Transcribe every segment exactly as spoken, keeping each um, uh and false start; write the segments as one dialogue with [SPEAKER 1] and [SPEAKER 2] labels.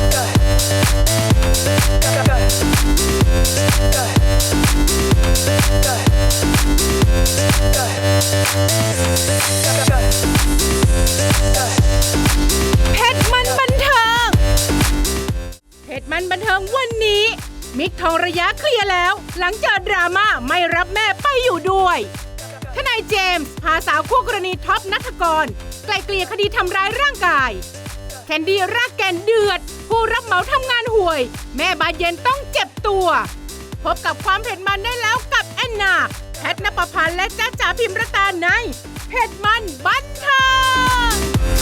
[SPEAKER 1] เพชรมันบันเทิงเพชรมันบันเทิงวันนี้มิกทองระยะเคลียร์แล้วหลังเจอดราม่าไม่รับแม่ไปอยู่ด้วยทนายเจมส์พาสาวคู่กรณีท็อปณัฐกรไกลเกลี่ยคดีทำร้ายร่างกายแคนดี้รากแกนเดือดผู้รับเหมาทำงานห่วยแม่บานเย็นต้องเจ็บตัวพบกับความเผ็ดมันได้แล้วกับแอนนาแพทณปภาและจ๊ะจ๋าพิมรตาในเผ็ดมันบันเทิง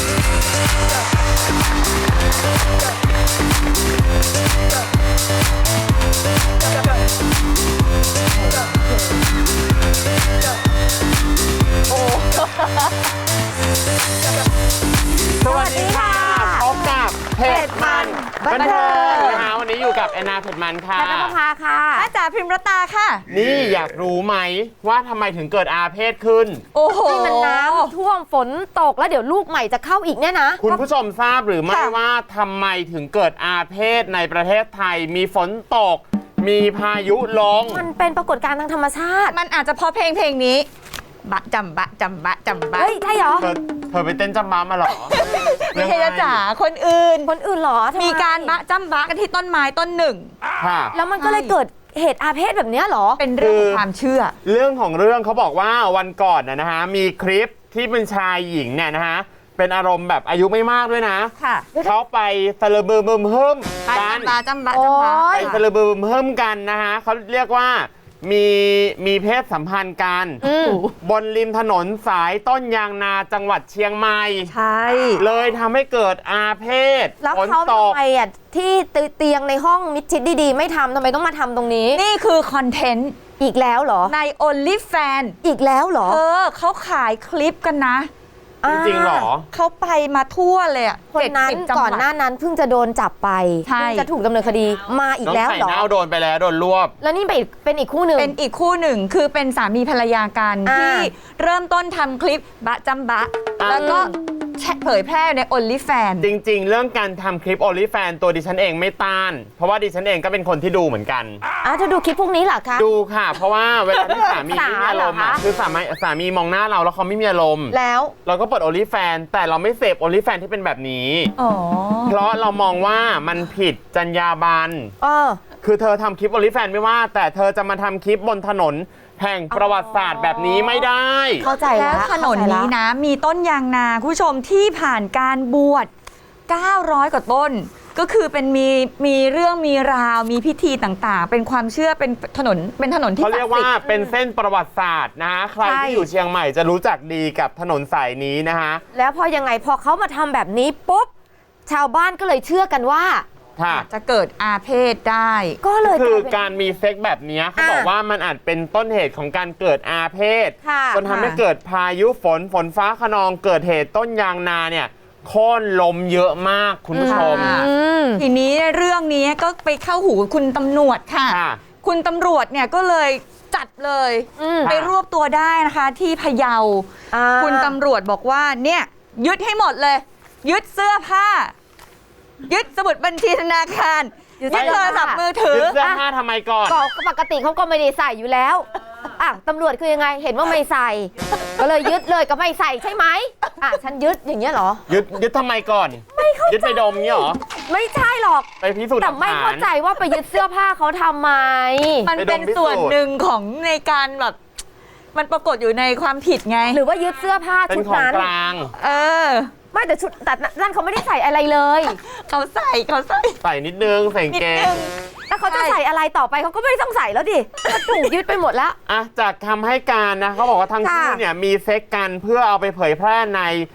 [SPEAKER 2] สวัสดีค่ะพบกับเผ็ดมันบันเทิงนะคะวันนี้อยู่กับแอนนาเผ็ดมันค่ะ
[SPEAKER 3] แพทณปภาค่ะจ๊ะจ๋าพิมรตาค่ะ
[SPEAKER 2] นี่อยากรู้ไหมว่าทำไมถึงเกิดอาเพศขึ้น
[SPEAKER 3] โอ้โหนี่มันน้ำท่วมฝนตกแล้วเดี๋ยวลูกใหม่จะเข้าอีกเนี่ยนะ
[SPEAKER 2] คุณผู้ชมทราบหรือไม่ว่าทำไมถึงเกิดอาเพศในประเทศไทยมีฝนตกมีพายุลง
[SPEAKER 3] มันเป็นปรากฏการณ์ทางธรรมชาติ
[SPEAKER 4] มันอาจจะเพราะเพลงเพลงนี้บะจำบะจำบะจำบะ
[SPEAKER 3] เฮ้ยใช่เหรอ
[SPEAKER 2] เธอเธอไปเต้นจำบ้ามาหรอ
[SPEAKER 4] ไม่ใช่จ๋าคนอื่น
[SPEAKER 3] คนอื่นหรอ
[SPEAKER 4] มีการบะจำบะกันที่ต้นไม้ต้นหนึ่ง
[SPEAKER 3] แล้วมันก็เลยเกิดเหตุอาเพศแบบนี้หรอ
[SPEAKER 4] เป็นเรื่องของความเชื่อ
[SPEAKER 2] เรื่องของเรื่องเขาบอกว่าวันก่อนนะฮะมีคลิปที่เป็นชายหญิงเนี่ยนะฮะเป็นอารมณ์แบบอายุไม่มากด้วยนะเขาไปสะเลบืมบึมเฮิมกัน
[SPEAKER 4] บะจำบะจำบะ
[SPEAKER 2] ไปสะเลบืมเฮิมกันนะฮะเขาเรียกว่ามีมีเพศสัมพันธ์กันบนริมถนนสายต้นยางนาจังหวัดเชียงใหม่
[SPEAKER 3] ใช่
[SPEAKER 2] เลยทำให้เกิดอาเพศ
[SPEAKER 3] แล้วเขาทำไมอ่ะที่เตียงในห้องมิดชิดดีๆไม่ทำทำไมต้องมาทำตรงนี้
[SPEAKER 4] นี่คือคอนเทนต์
[SPEAKER 3] อีกแล้วเหรอ
[SPEAKER 4] ใน OnlyFans
[SPEAKER 3] อีกแล้วเหรอ
[SPEAKER 4] เออเขาขายคลิปกันนะ
[SPEAKER 2] จริงๆหรอ
[SPEAKER 4] เขาไปมาทั่วเลยอ่ะ
[SPEAKER 3] คนนั้นก่อนหน้านั้นเพิ่งจะโดนจับไปเพิ่งจะถูกดำเนินคดีมาอีกแล้วเหรอ
[SPEAKER 2] น้องไข่เน่าโดนไปแล้วโดนรวบ
[SPEAKER 3] แล้วนี่เป็นอีกคู่หนึ่ง
[SPEAKER 4] เป็นอีกคู่หนึ่งคือเป็นสามีภรรยากันที่เริ่มต้นทำคลิปบะจำบะแล้วก็เผยแพร่ใน OnlyFans
[SPEAKER 2] จริงๆเรื่องการทำคลิป OnlyFans ตัวดิฉันเองไม่ต้านเพราะว่าดิฉันเองก็เป็นคนที่ดูเหมือนกัน
[SPEAKER 3] อ่ะเธอดูคลิปพวกนี้เหรอคะ
[SPEAKER 2] ดูค่ะเพราะว่าเวลาที่สามีไม่มีอารมณ์คือสามีสามีมองหน้าเราแล้วเขาไม่มีอารมณ์
[SPEAKER 3] แล้ว
[SPEAKER 2] เราก็เปิด OnlyFans แต่เราไม่เสพ OnlyFans ที่เป็นแบบนี้เพราะเรามองว่ามันผิดจรรยาบรรณคือเธอทำคลิป OnlyFans ไม่ว่าแต่เธอจะมาทำคลิปบนถนนแห่งประวัติศาสตร์แบบนี้ไม่ได้
[SPEAKER 3] เข้าใจแล้ว
[SPEAKER 4] ถนนนี้นะมีต้นยางนาคุณผู้ชมที่ผ่านการบวชเก้าร้อยกว่าต้นก็คือเป็นมีมีเรื่องมีราวมีพิธีต่างๆเป็นความเชื่อเป็นถนนเป็นถนนที่
[SPEAKER 2] เขาเรียกว่าเป็นเส้นประวัติศาสตร์นะฮะใครที่อยู่เชียงใหม่จะรู้จักดีกับถนนสายนี้นะฮะ
[SPEAKER 3] แล้วพอยังไงพอเขามาทำแบบนี้ปุ๊บชาวบ้านก็เลยเชื่อกันว่า
[SPEAKER 4] จะเกิดอาเพศได้
[SPEAKER 3] ก็เลย
[SPEAKER 2] คือการมีเซ็กแบบนี้เขาบอกว่ามันอาจเป็นต้นเหตุของการเกิดอาเพศจนทำให้เกิดพายุฝนฝนฟ้าคะนองเกิดเหตุต้นยางนาเนี่ยโค่นลมเยอะมากคุณผู้ชม
[SPEAKER 4] ทีนี้เรื่องนี้ก็ไปเข้าหูคุณตำรวจค่ะคุณตำรวจเนี่ยก็เลยจัดเลยไปรวบตัวได้นะคะที่พะเยาคุณตำรวจบอกว่าเนี่ยยึดให้หมดเลยยึดเสื้อผ้ายึดสมุดบัญชีธนาคารยึดโทรศัพท์มือถือ
[SPEAKER 2] ยึดเสื้อผ้าทำไมก่อน
[SPEAKER 3] ก็ปกติเขาก็ไม่ได้ใส่อยู่แล้วอ่ะตำรวจคือยังไงเห็นว่าไม่ใส่ก็เลยยึดเลยก็ไม่ใส่ใช่ไหมอ่ะฉันยึดอย่างเงี้ยเหรอ
[SPEAKER 2] ยึดยึดทำไมก่อน
[SPEAKER 3] ไม่เข้าใจ
[SPEAKER 2] ยึดไปดมเงี้ยหรอ
[SPEAKER 3] ไม่ใช่หรอก
[SPEAKER 2] ไปพิสูจน์
[SPEAKER 3] แต่ไม่เข้าใจว่าไปยึดเสื้อผ้าเขาทำไม
[SPEAKER 4] มันเป็นส่วนหนึ่งของในการแบบมันปรากฏอยู่ในความผิดไง
[SPEAKER 3] หรือว่ายึดเสื้อผ้าชุดนั้น
[SPEAKER 2] เป็นของกลาง
[SPEAKER 4] เออ
[SPEAKER 3] ไม่แต่ชุดแต่นั่นเขาไม่ได้ใส่อะไรเลย
[SPEAKER 4] เขาใส่เขาใส่
[SPEAKER 2] ใส่นิดนึงใส่เกง
[SPEAKER 3] แต่เขาจะใส่อะไรต่อไปเขาก็ไม่ต้องใส่แล้วดิถูกยึดไปหมดแล้ว
[SPEAKER 2] อ่ะจากคำให้การนะเขาบอกว่าทั้งคู่เนี่ยมีเซ็กกันเพื่อเอาไปเผยแพร่ใน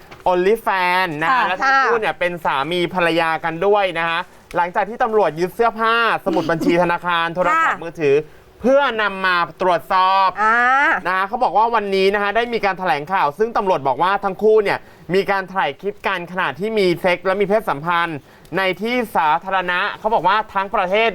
[SPEAKER 2] OnlyFans นะและทั้งคู่เนี่ยเป็นสามีภรรยากันด้วยนะฮะหลังจากที่ตำรวจยึดเสื้อผ้าสมุดบัญชีธนาคารโทรศัพท์มือถือเพื่อนำมาตรวจสอบนะเขาบอกว่าวันนี้นะฮะได้มีการแถลงข่าวซึ่งตำรวจบอกว่าทั้งคู่เนี่ยมีการถ่ายคลิปกันขณะที่มีเซ็กและมีเพศสัมพันธ์ในที่สาธารณะเขาบอกว่าทั้งประเทศเนี่ย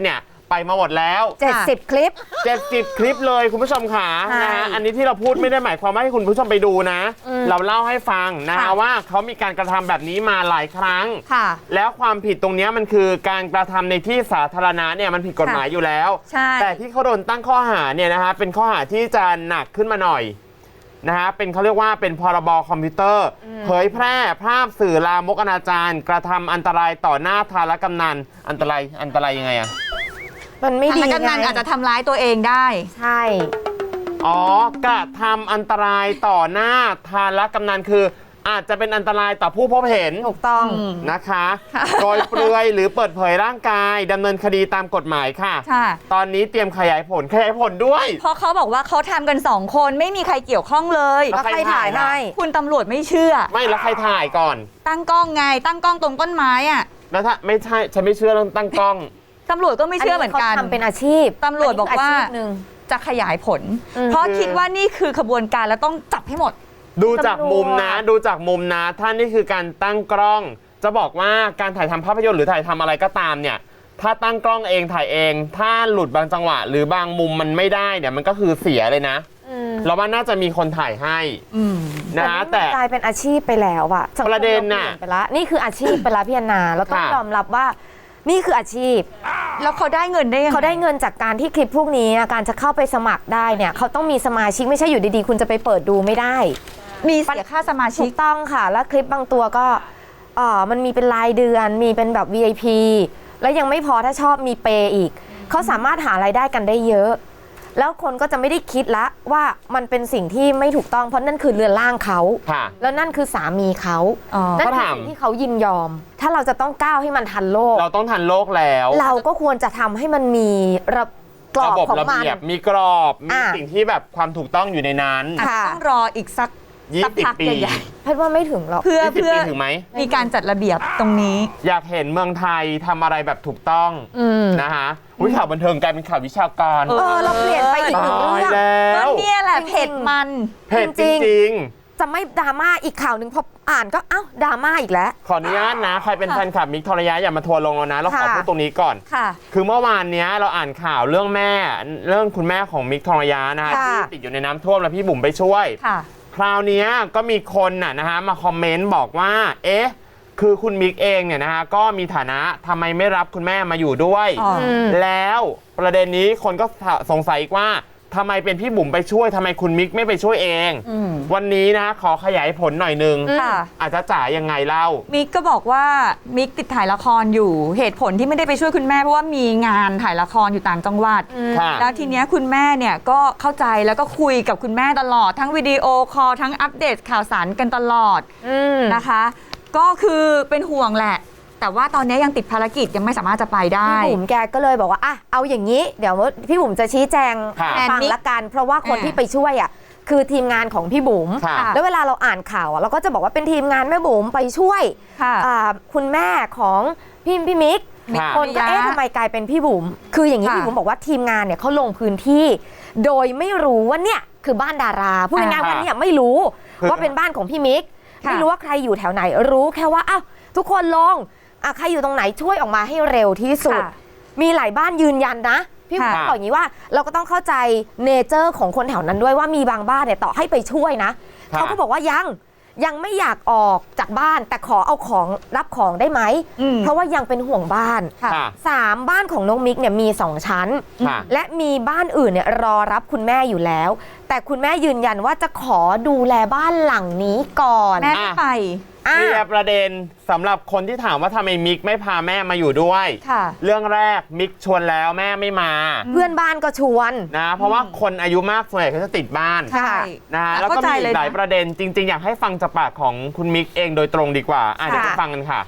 [SPEAKER 2] ไปมาหมดแล้ว
[SPEAKER 3] เจ็ดสิบคลิป
[SPEAKER 2] เจ็ดสิบคลิปเลยคุณผู้ชมขา
[SPEAKER 3] ใช่
[SPEAKER 2] นะฮะอันนี้ที่เราพูดไม่ได้หมายความว่าให้คุณผู้ชมไปดูนะ
[SPEAKER 3] อืม
[SPEAKER 2] เราเล่าให้ฟังนะฮะ
[SPEAKER 3] ค่ะ
[SPEAKER 2] ว่าเขามีการกระทำแบบนี้มาหลายครั้ง
[SPEAKER 3] ค่ะ
[SPEAKER 2] แล้วความผิดตรงเนี้ยมันคือการกระทำในที่สาธารณะเนี่ยมันผิดกฎหมายอยู่แล้ว
[SPEAKER 4] ใช่
[SPEAKER 2] แต่ที่เขาโดนตั้งข้อหาเนี่ยนะฮะเป็นข้อหาที่จะหนักขึ้นมาหน่อยนะฮะเป็นเขาเรียกว่าเป็นพรบคอมพิวเตอร์ เผยแพร่ภาพสื่อลามกอนาจารกระทำอันตรายต่อหน้าทารกำนันอันตรายอันตรายยังไงอะ
[SPEAKER 3] มันไม่ดี
[SPEAKER 4] ทางกำนัน
[SPEAKER 3] ไง
[SPEAKER 4] อาจจะทำร้ายตัวเองได้
[SPEAKER 3] ใช่
[SPEAKER 2] อ๋อกระทำอันตรายต่อหน้าทารกำนันคืออาจจะเป็นอันตรายต่อผู้พบเห็น
[SPEAKER 3] ถูกต้อง
[SPEAKER 4] อืม
[SPEAKER 2] นะคะโดยเปลือยหรือเปิดเผยร่างกายดำเนินคดีตามกฎหมายค่ะ
[SPEAKER 4] ค่ะ
[SPEAKER 2] ตอนนี้เตรียมขยายผลขยายผลด้วย
[SPEAKER 4] เพราะเขาบอกว่าเขาทำกันสองคนไม่มีใครเกี่ยวข้องเลย
[SPEAKER 2] แล้วใครถ่ายล่ะ
[SPEAKER 4] คุณตำรวจไม่เชื่อ
[SPEAKER 2] ไม่แล้วใครถ่ายก่อน
[SPEAKER 4] ตั้งกล้องไง ตั้งกล้องตรงต้นไม้อะ
[SPEAKER 2] แล้วถ้าไม่ใช่ฉันไม่เชื่อเรื่องตั้งกล้อง
[SPEAKER 4] ตำรวจก็ไม่เชื่อเหมือนกัน
[SPEAKER 3] ขาทำเป็นอาชีพ
[SPEAKER 4] ตำรวจบอกว่า
[SPEAKER 3] นนี้คืชีพหนึ่ง
[SPEAKER 4] จะขยายผล
[SPEAKER 3] อืม
[SPEAKER 4] เพราะคิดว่านี่คือขบวนการแล้วต้องจับให้หมด
[SPEAKER 2] ดูจากมุมนะ
[SPEAKER 3] ตำรวจ
[SPEAKER 2] ดูจากมุมนะท่านนี่คือการตั้งกล้อง จะบอกว่าการถ่ายทำภาพยนตร์หรือถ่ายทำอะไรก็ตามเนี่ย ถ้าตั้งกล้องเองถ่ายเอง ถ้าหลุดบางจังหวะ หรือบางมุมมันไม่ได้เนี่ยมันก็คือเสียเลยนะ
[SPEAKER 3] อืม
[SPEAKER 2] เราว่าน่าจะมีคนถ่ายให้
[SPEAKER 4] อืม
[SPEAKER 2] นะ
[SPEAKER 3] นี่
[SPEAKER 2] แต่
[SPEAKER 3] มันกลายเป็นอาชีพไปแล้วอะสังคม
[SPEAKER 2] ประเด็นน่ะ
[SPEAKER 3] ราปลี่ยไปละนี่คืออาชีพไปละพี่แอนนาเราต้อง
[SPEAKER 2] ค่ะ
[SPEAKER 3] ยอมรับว่านี่คืออาชีพ
[SPEAKER 4] แล้วเขาได้เงินได้ยังง
[SPEAKER 3] เขาได้เงินจากการที่คลิปพวกนี้อะการจะเข้าไปสมัครได้เนี่ยเขาต้องมีสมาชิกไม่ใช่อยู่ดีๆ คุณจะไปเปิดดูไม่ได้
[SPEAKER 4] มีเสียค่าสมาชิ
[SPEAKER 3] ถู
[SPEAKER 4] ก
[SPEAKER 3] กต้องค่ะ แล้วคลิปบางตัวก็เอ่อมันมีเป็นรายเดือนมีเป็นแบบ วี ไอ พี แล้วยังไม่พอถ้าชอบมีเปย์อีกเขาสามารถหารายได้กันได้เยอะ แล้วคนก็จะไม่ได้คิดละว่ามันเป็นสิ่งที่ไม่ถูกต้องเพราะนั่นคือเรือนร่างเขา
[SPEAKER 2] ค่ะ
[SPEAKER 3] แล้วนั่นคือสามีเขา
[SPEAKER 4] อ๋อ
[SPEAKER 3] นั่น
[SPEAKER 2] เขา
[SPEAKER 3] คือ
[SPEAKER 2] ถาม
[SPEAKER 3] สิ่งที่เขายินยอม ถ้าเราจะต้องก้าวให้มันทันโลก
[SPEAKER 2] เราต้องทันโลกแล้ว
[SPEAKER 3] เราก็ควรจะทำให้มันมีระกรอบ
[SPEAKER 2] ระบบ
[SPEAKER 3] ของ
[SPEAKER 2] ระ
[SPEAKER 3] มัน
[SPEAKER 2] เบียบมีกรอบ มี
[SPEAKER 3] อ่ะ
[SPEAKER 2] สิ่งที่แบบความถูกต้องอยู่ในนั้น
[SPEAKER 4] อาจจะ
[SPEAKER 3] ค่ะ
[SPEAKER 4] ต้องรออีกสัก
[SPEAKER 2] ยี่
[SPEAKER 4] สัก
[SPEAKER 2] สิบ
[SPEAKER 4] พัก
[SPEAKER 2] ปี
[SPEAKER 4] ใหญ่
[SPEAKER 3] แพทย์ว่าไม่ถึงหรอก
[SPEAKER 4] ๆเพื่อ
[SPEAKER 2] ยี่สิบ
[SPEAKER 4] เพื่อ
[SPEAKER 2] ปีถึงไหม
[SPEAKER 4] มีการจัดระเบียบตรงนี้
[SPEAKER 2] อยากเห็นเมืองไทยทำอะไรแบบถูกต้อง
[SPEAKER 3] อืม
[SPEAKER 2] นะคะอุ้ยข่าวบันเทิงกลายเป็นข่าววิชาการ
[SPEAKER 4] เอ
[SPEAKER 3] เออเราเปลี่ยนไปอีกหนึ่ง
[SPEAKER 2] ตาย
[SPEAKER 3] เรื่อง
[SPEAKER 2] แล้
[SPEAKER 4] ก็
[SPEAKER 2] ว
[SPEAKER 4] เนี่ยแหละ
[SPEAKER 3] จริงๆ
[SPEAKER 4] เผ็ดมัน
[SPEAKER 2] เผ็ดจ
[SPEAKER 3] จริงๆ
[SPEAKER 2] ริง
[SPEAKER 3] จะไม่ดราม่าอีกข่าวหนึ่งพออ่านก็เอ้าดราม่าอีกแล้ว
[SPEAKER 2] ๆ ขออนุญาตนะ ใครเป็น
[SPEAKER 4] ค่ะ
[SPEAKER 2] แฟนคลับมิกทรยะอย่ามาทัวร์ลงเรานะ เราขอ
[SPEAKER 3] ค่ะ
[SPEAKER 2] พูดตรงนี้ก่อน
[SPEAKER 4] ค่ะ
[SPEAKER 2] คือเมื่อวานเนี้ยเราอ่านข่าวเรื่องแม่ เรื่องคุณแม่ของมิกทรยะนะฮะ
[SPEAKER 3] ค่ะ
[SPEAKER 2] ที่ติดอยู่ในน้ำท่วมแล้วพี่บุ๋มไปช่วย
[SPEAKER 4] ค่ะ
[SPEAKER 2] คราวเนี้ยก็มีคนน่ะนะฮะมาคอมเมนต์บอกว่า เอ๊ะ คือคุณมิกเองเนี่ยนะฮะก็มีฐานะทำไมไม่รับคุณแม่มาอยู่ด้วย
[SPEAKER 4] อ๋อ
[SPEAKER 3] อืม
[SPEAKER 2] แล้วประเด็นนี้คนก็สงสัยอีกว่าทำไมเป็นพี่บุ๋มไปช่วยทำไมคุณมิกไม่ไปช่วยเอง
[SPEAKER 4] อืม
[SPEAKER 2] วันนี้นะขอขยายผลหน่อยนึง
[SPEAKER 3] อืม
[SPEAKER 4] ค่ะ
[SPEAKER 2] อาจจะจ่ายยังไงเล่า
[SPEAKER 4] มิกก็บอกว่ามิกติดถ่ายละครอยู่เหตุผลที่ไม่ได้ไปช่วยคุณแม่เพราะว่ามีงานถ่ายละครอยู่ต่างจังหวัด
[SPEAKER 3] อืม
[SPEAKER 2] ค่ะ
[SPEAKER 4] แล้วทีเนี้ยคุณแม่เนี่ยก็เข้าใจแล้วก็คุยกับคุณแม่ตลอดทั้งวิดีโอคอลทั้งอัปเดตข่าวสารกันตลอด
[SPEAKER 3] อืม
[SPEAKER 4] นะคะ ก็คือเป็นห่วงแหละ แต่ว่าตอนนี้ยังติดภารกิจยังไม่สามารถจะไปได้
[SPEAKER 3] พี่บุ๋มแกก็เลยบอกว่าอ่ะเอาอย่างนี้ เดี๋ยวพี่บุ๋มจะชี้แจง
[SPEAKER 2] ค่ะ
[SPEAKER 3] ให้ฟัง
[SPEAKER 4] แอนนิก
[SPEAKER 3] ละกัน เพราะว่าคน
[SPEAKER 4] อ่า
[SPEAKER 3] ที่ไปช่วยอ่ะคือทีมงานของพี่บุ๋ม
[SPEAKER 2] ค่ะ
[SPEAKER 3] แล้วเวลาเราอ่านข่าวอะเราก็จะบอกว่าเป็นทีมงานแม่บุ๋มไปช่วย
[SPEAKER 4] ค่ะ
[SPEAKER 3] อ่าคุณแม่ของพี่พี่มิก
[SPEAKER 2] ค่ะ
[SPEAKER 3] คนก็เอ๊ะทำไมกลายเป็นพี่บุ๋มคืออย่างนี้
[SPEAKER 4] ค่ะ
[SPEAKER 3] พี่บุ๋มบอกว่าทีมงานเนี่ยเขาลงพื้นที่ โดยไม่รู้ว่าเนี่ยคือบ้านดาราพูดง่ายๆว่าเนี่ยไม่รู้
[SPEAKER 2] คือ
[SPEAKER 3] ว่าเป็นบ้านของพี่มิก
[SPEAKER 4] ค่ะ
[SPEAKER 3] ไม่รู้ว่าใครอยู่แถวไหนรู้แค่ว่าอ้าวทุกคนลงอ่ะใครอยู่ตรงไหนช่วยออกมาให้เร็วที่สุด
[SPEAKER 4] ค่ะ
[SPEAKER 3] มีหลายบ้านยืนยันนะ พี่บุ๋ม
[SPEAKER 4] ค่ะ
[SPEAKER 3] บอกอย่างนี้ว่าเราก็ต้องเข้าใจเนเจอร์ของคนแถวนั้นด้วยว่ามีบางบ้านเนี่ยต่อให้ไปช่วยนะ
[SPEAKER 2] ค่ะ
[SPEAKER 3] เขาก็บอกว่ายังยังไม่อยากออกจากบ้าน แต่ขอเอาของรับของได้ไหม
[SPEAKER 4] อืม
[SPEAKER 3] เพราะว่ายังเป็นห่วงบ้าน
[SPEAKER 4] ค่ะ
[SPEAKER 2] ค่ะ
[SPEAKER 3] สามบ้านของน้องมิกเนี่ยมีสองชั้น
[SPEAKER 2] ค่ะ
[SPEAKER 3] และมีบ้านอื่นเนี่ยรอรับคุณแม่อยู่แล้ว แต่คุณแม่ยืนยันว่าจะขอดูแลบ้านหลังนี้ก่อน
[SPEAKER 4] แม่ไม่ไป
[SPEAKER 3] อ่ะ
[SPEAKER 2] เคลียร์ประเด็นสำหรับคนที่ถามว่าทำไมมิกไม่พาแม่มาอยู่ด้วย
[SPEAKER 4] ค่ะ
[SPEAKER 2] เรื่องแรกมิกชวนแล้วแม่ไม่มา
[SPEAKER 3] เพื่อนบ้านก็ชวน
[SPEAKER 2] นะเพราะว่าคนอายุมากส่วนใหญ่เขาจะติดบ้าน
[SPEAKER 4] ใช่
[SPEAKER 2] นะฮะแล้วก็
[SPEAKER 4] เข้าใจ
[SPEAKER 2] มีอี
[SPEAKER 4] เล
[SPEAKER 2] ก
[SPEAKER 4] ย
[SPEAKER 2] หลาย
[SPEAKER 4] นะ
[SPEAKER 2] ประเด็นจริง ๆ อยากให้ฟังจากปากของคุณมิกเองโดยตรงดีกว่าอ่ะเดี๋ยวไป
[SPEAKER 3] ค่ะ
[SPEAKER 2] ฟังกันค่ะ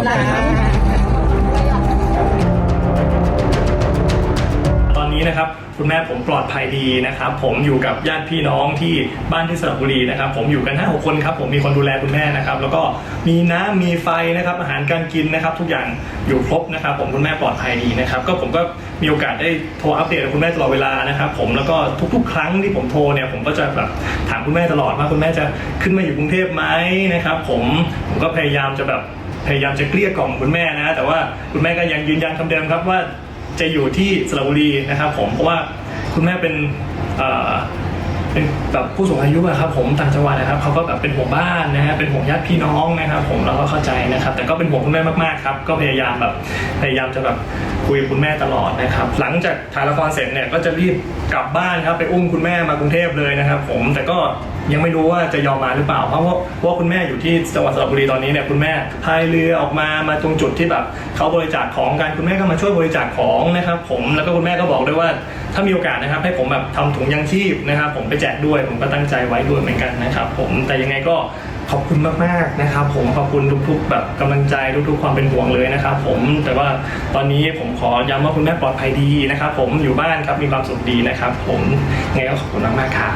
[SPEAKER 5] ตอนนี้นะครับคุณแม่ผมปลอดภัยดีนะครับผมอยู่กับญาติพี่น้องที่บ้านที่สระบุรีนะครับผมอยู่กันห้าหกคนครับผมมีคนดูแลคุณแม่นะครับแล้วก็มีน้ำมีไฟนะครับอาหารการกินนะครับทุกอย่างอยู่ครบนะครับผมคุณแม่ปลอดภัยดีนะครับก็ผมก็มีโอกาสได้โทรอัปเดตกับคุณแม่ตลอดเวลานะครับผมแล้วก็ทุกๆ ครั้งที่ผมโทรเนี่ยผมก็จะแบบถามคุณแม่ตลอดว่าคุณแม่จะขึ้นมาอยู่กรุงเทพไหมนะครับผมผมก็พยายามจะแบบพยายามจะเกลี้ยกล่อมคุณแม่นะแต่ว่าคุณแม่ก็ยังยืนยันคำเดิมครับว่าจะอยู่ที่สระบุรีนะครับผมเพราะว่าคุณแม่เป็นเอ่อเป็นแบบผู้สูงอายุอะครับผมต่างจังหวัดนะครับเขาก็แบบเป็นห่วงบ้านนะฮะเป็นห่วงญาติพี่น้องนะครับผมเราก็เข้าใจนะครับแต่ก็เป็นห่วงคุณแม่มากๆครับก็พยายามแบบพยายามจะแบบคุยกับคุณแม่ตลอดนะครับหลังจากถ่ายละครเสร็จเนี่ยก็จะรีบกลับบ้านครับไปอุ้มคุณแม่มากรุงเทพเลยนะครับผมแต่ก็ยังไม่รู้ว่าจะยอมมาหรือเปล่าเพราะว่าเพราะว่าคุณแม่อยู่ที่จังหวัดสระบุรีตอนนี้เนี่ยคุณแม่พายเรือออกมามาตรงจุดที่แบบเขาบริจาคของกันคุณแม่ก็มาช่วยบริจาคของนะครับผมแล้วก็คุณแม่ก็บอกด้วยว่าถ้ามีโอกาสนะครับให้ผมแบบทำถุงยังชีพนะครับผมไปแจกด้วยผมก็ตั้งใจไว้ด้วยเหมือนกันนะครับผมแต่ยังไงก็ขอบคุณมากๆนะครับผมขอบคุณทุกๆแบบกำลังใจทุกๆความเป็นห่วงเลยนะครับผมแต่ว่าตอนนี้ผมขอย้ำว่าคุณแม่ปลอดภัยดีนะครับผมอยู่บ้านครับมีความสุขดีนะครับผมยังไงก็ขอบคุณมากๆครับ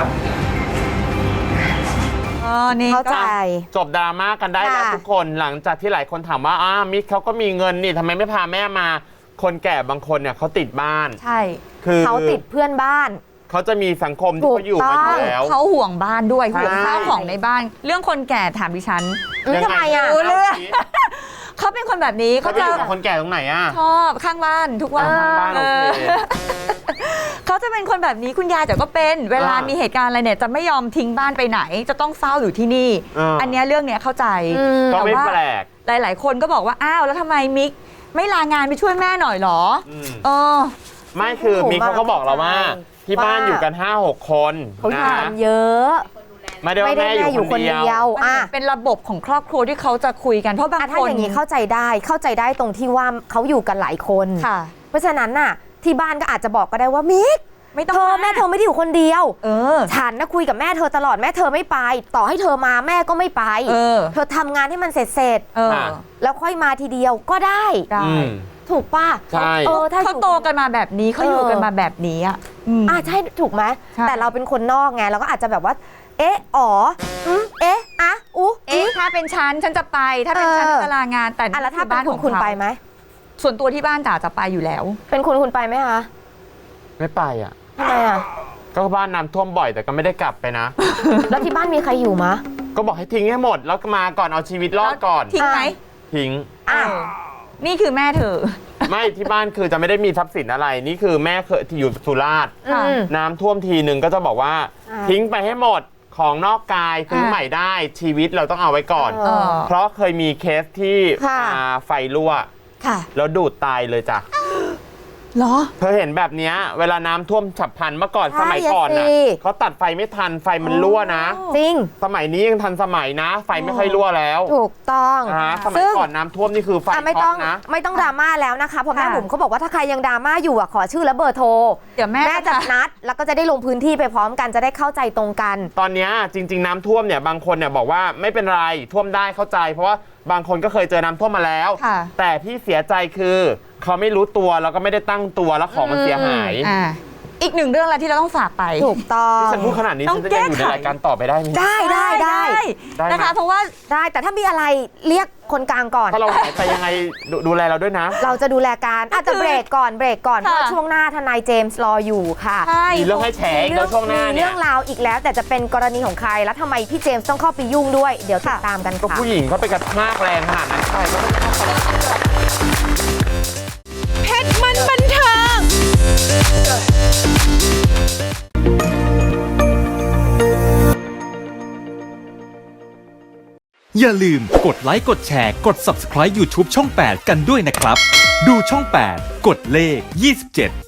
[SPEAKER 4] อ๋อนี่
[SPEAKER 3] เข้าใจ
[SPEAKER 2] จบดราม่ากันได้แล้ว
[SPEAKER 3] ค่ะ
[SPEAKER 2] ทุกคนหลังจากที่หลายคนถามว่าอ้ามิกเขาก็มีเงินนี่ทำไมไม่พาแม่มาคนแก่บางคนเนี่ยเขาติดบ้าน
[SPEAKER 3] ใช่
[SPEAKER 2] คือ
[SPEAKER 3] เขาติดเพื่อนบ้าน
[SPEAKER 2] เขาจะมีสังคมที่เขาอยู่มาอยู่แล้ว
[SPEAKER 4] เขาห่วงบ้านด้วย
[SPEAKER 2] ใช่
[SPEAKER 4] ห่วงข้าวของในบ้าน เรื่องคนแก่ถามดิฉัน
[SPEAKER 3] อืมทำไมอ่ะ
[SPEAKER 4] รู้เรื่อง เขาเป็นคนแบบนี้
[SPEAKER 2] เขา
[SPEAKER 4] เขา
[SPEAKER 2] จะ
[SPEAKER 4] จะ
[SPEAKER 2] อยู่กับคนแก่ตรงไหนอ่ะ
[SPEAKER 4] ชอบข้างบ้านทุกวัน
[SPEAKER 2] ข้างบ้านโอเค
[SPEAKER 4] เออเขาจะเป็นคนแบบนี้คุณยายแต่ก็เป็นเวลา
[SPEAKER 2] อ่ามี
[SPEAKER 4] มีเหตุการณ์อะไรเนี่ยจะไม่ยอมทิ้งบ้านไปไหน จะต้องเฝ้าอยู่ที่นี่
[SPEAKER 2] อ่า
[SPEAKER 4] อันเนี้ยเรื่องเนี้ยเข้าใจ
[SPEAKER 3] อืม
[SPEAKER 2] ก็ไม่
[SPEAKER 4] ว่า
[SPEAKER 2] แปลก
[SPEAKER 4] หลาย ๆ คนก็บอกว่าอ้าวแล้วทำไมมิกไม่ลางานไปช่วยแม่หน่อยเหรอ
[SPEAKER 2] อืม
[SPEAKER 4] เออ
[SPEAKER 2] ไม่คือมีเขาก็บอกเราว่า ที่บ้านอยู่กัน ห้าหก คน
[SPEAKER 3] เขาอยู่
[SPEAKER 2] นะ
[SPEAKER 3] กันเยอะ
[SPEAKER 2] ไม่ได้
[SPEAKER 3] ไม่
[SPEAKER 2] ว่า
[SPEAKER 3] ได้
[SPEAKER 2] แม่
[SPEAKER 3] แม่
[SPEAKER 2] อ
[SPEAKER 3] อยู่ ยู่
[SPEAKER 2] ค
[SPEAKER 3] คน น
[SPEAKER 2] เดี
[SPEAKER 3] เดี
[SPEAKER 2] ย
[SPEAKER 3] ยว ว
[SPEAKER 4] มัน
[SPEAKER 3] อ่ะ
[SPEAKER 4] เป็นระบบของครอบครัวที่เขาจะคุยกันเพราะบาง
[SPEAKER 3] อ่ะ
[SPEAKER 4] ค
[SPEAKER 3] ถ้าน อย่างนี้เข้าใจได้เข้าใจได้ตรงที่ว่าเขาอยู่กันหลายคน
[SPEAKER 4] ค่ะ
[SPEAKER 3] เพราะฉะนั้นน่ะ ที่บ้านก็อาจจะบอกก็ได้ว่ามิก
[SPEAKER 4] ไม่ต้อง
[SPEAKER 3] เธอ
[SPEAKER 4] มา
[SPEAKER 3] แม่เธอไม่ได้อยู่คนเดียว
[SPEAKER 4] เออ
[SPEAKER 3] ฉันนะคุยกับแม่เธอตลอดแม่เธอไม่ไป ต่อให้เธอมาแม่ก็ไม่ไป
[SPEAKER 4] เออ
[SPEAKER 3] เธอทำงานให้มันเสร็จเสร็จ
[SPEAKER 4] เออ
[SPEAKER 2] อ่ะ
[SPEAKER 3] ๆแล้วค่อยมาทีเดียวก็ได้
[SPEAKER 4] ได้
[SPEAKER 2] อืม
[SPEAKER 3] ถูกป่ะ
[SPEAKER 2] ใช่
[SPEAKER 3] เออถ้า
[SPEAKER 4] เขา
[SPEAKER 3] อยู่
[SPEAKER 4] โตกันมาแบบนี้เขาอยู่กันมาแบบนี้อ่ะอืม
[SPEAKER 3] อ่ะใช่ถูกไหม
[SPEAKER 4] ใช่
[SPEAKER 3] แต่เราเป็นคนนอกไงเราก็อาจจะแบบว่า เอ๊ะอ๋ออืมเอ๊ะอะอุ๊
[SPEAKER 4] เอ๊ะถ้าเป็นฉันฉันจะไป ถ้าเป็นฉัน
[SPEAKER 3] เออ
[SPEAKER 4] จะลางานแต่
[SPEAKER 3] อ่ะแล้วถ้า
[SPEAKER 4] คือ
[SPEAKER 3] เป็น
[SPEAKER 4] บ้าน
[SPEAKER 3] คุ
[SPEAKER 4] ข
[SPEAKER 3] ณ
[SPEAKER 4] อง
[SPEAKER 3] คุณ
[SPEAKER 4] เขา
[SPEAKER 3] ไปไหม
[SPEAKER 4] ส่วนตัวที่บ้านจ๋าจะไปอยู่แล้ว
[SPEAKER 3] เป็นคุณคุณไปไหมคะ
[SPEAKER 2] ไม่ไปอ่ะ
[SPEAKER 3] ทำไมอ่ะ
[SPEAKER 2] ก็บ้านน้ำท่วมบ่อยแต่ก็ไม่ได้กลับไปนะ
[SPEAKER 3] แล้วที่บ้านมีใครอยู่มะ
[SPEAKER 2] ก็บอกให้ทิ้งให้หมดแล้วก็มาก่อนเอาชีวิตรอดก่อน
[SPEAKER 4] ทิ้งไหม
[SPEAKER 2] ทิ้ง
[SPEAKER 3] อ่ะ
[SPEAKER 4] เออนี่คือแม่เธอ
[SPEAKER 2] ไม่ที่บ้านคือจะไม่ได้มีทรัพย์สินอะไร นี่คือแม่เคยที่อยู่สุราษฎร์
[SPEAKER 4] ค่ะ
[SPEAKER 3] อืม
[SPEAKER 2] น้ำท่วมทีหนึ่งก็จะบอกว่า
[SPEAKER 3] อ่า
[SPEAKER 2] ทิ้งไปให้หมดของนอกกายซื้อ
[SPEAKER 4] อ่า
[SPEAKER 2] ใหม่ได้ชีวิตเราต้องเอาไว้ก่อน
[SPEAKER 3] เออ
[SPEAKER 2] เพราะเคยมีเคสที่
[SPEAKER 3] ค่ะ
[SPEAKER 2] อ่าไฟรั่ว
[SPEAKER 3] ค่ะ
[SPEAKER 2] แล้วดูดตายเลยจ้ะ
[SPEAKER 4] เหรอ
[SPEAKER 2] เธอเห็นแบบเนี้ยเวลาน้ำท่วมฉับพลันเมื่อก่อน
[SPEAKER 3] ใช่
[SPEAKER 2] สมัยก่อนน่ะ
[SPEAKER 3] สิ
[SPEAKER 2] เขาตัดไฟไม่ทันไฟมันรั่วนะ
[SPEAKER 3] จริง
[SPEAKER 2] สมัยนี้ยังทันสมัยนะ ไฟไม่ค่อยรั่วแล้ว
[SPEAKER 3] ถูกต้อง
[SPEAKER 2] นะฮะสมัย
[SPEAKER 3] ซึ่ง
[SPEAKER 2] ก่อนน้ำท่วมนี่คือไฟ
[SPEAKER 3] อ่ะไม่
[SPEAKER 2] ช็
[SPEAKER 3] ต้
[SPEAKER 2] อ
[SPEAKER 3] อ
[SPEAKER 2] ต
[SPEAKER 3] ง
[SPEAKER 2] นะ
[SPEAKER 3] ไม่ต้องดราม่าแล้วนะคะเพราะแม่
[SPEAKER 4] ค่ะ
[SPEAKER 3] บุ๋มเขาบอกว่าถ้าใครยังดราม่าอยู่อ่ะขอชื่อและเบอร์โทร
[SPEAKER 4] เดี๋ยวแม่
[SPEAKER 3] แม่จะ
[SPEAKER 4] จะ
[SPEAKER 3] นัดแล้วก็จะได้ลงพื้นที่ไปพร้อมกันจะได้เข้าใจตรงกัน
[SPEAKER 2] ตอนเนี้ยจริง ๆ น้ำท่วมเนี่ยบางคนเนี่ยบอกว่าไม่เป็นไรท่วมได้เข้าใจ เพราะว่าบางคนก็เคยเจอน้ำท่วมมาแล้ว
[SPEAKER 4] ค่ะ
[SPEAKER 2] แต่ที่เสียใจคือเขาไม่รู้ตัวแล้วก็ไม่ได้ตั้งตัวแล้วของมันเสียหาย
[SPEAKER 4] อ่าอีกหนึ่งเรื่องอะไรที่เราต้องฝากไป
[SPEAKER 3] ถูกต้อง
[SPEAKER 2] ที่ฉันพูดขนาดนี้
[SPEAKER 4] ต้อ
[SPEAKER 2] ฉั
[SPEAKER 4] ง
[SPEAKER 2] นจะยังอยู่ใน
[SPEAKER 4] แก้ไข
[SPEAKER 2] รายการต่อไปได้ไหม
[SPEAKER 3] ได้ได้ได้
[SPEAKER 2] ได้ไหม
[SPEAKER 4] นะคะเพราะว่า
[SPEAKER 3] ได้แต่ถ้ามีอะไรเรียกคนกลางก่อน
[SPEAKER 2] ถ้าเราหายไปยังไงดูดูแลเราด้วยนะ
[SPEAKER 3] เราจะดูแลการอาจจะ
[SPEAKER 4] คือ
[SPEAKER 3] เบรกก่อนเบรกก่อนเพ
[SPEAKER 4] ค่ะ
[SPEAKER 3] ราะว่าช่วงหน้าทนายเจมส์รออยู่ค่ะ
[SPEAKER 4] ใช่
[SPEAKER 2] มีเรื่องให้แฉอีกแล้วช่วงหน้า
[SPEAKER 3] มี
[SPEAKER 2] เนี่
[SPEAKER 3] เรื่
[SPEAKER 2] ย
[SPEAKER 3] องราวอีกแล้ว แต่จะเป็นกรณีของใครแล้วทำไมพี่เจมส์ต้องเข้าไปยุ่งด้วย เดี๋ยวติดตามกัน
[SPEAKER 2] ก็
[SPEAKER 3] ค่ะ
[SPEAKER 2] ผู้หญิงเขาไปกระชากแรงขนาดนั้นใช่ก็ต้อง
[SPEAKER 1] เพชรมันบันเทิง
[SPEAKER 6] อย่าลืมกดไลค์กดแชร์กด ซับสไครบ์ ยูทูบ ช่อง แปด กันด้วยนะครับ ดูช่อง แปด กดเลข ยี่สิบเจ็ด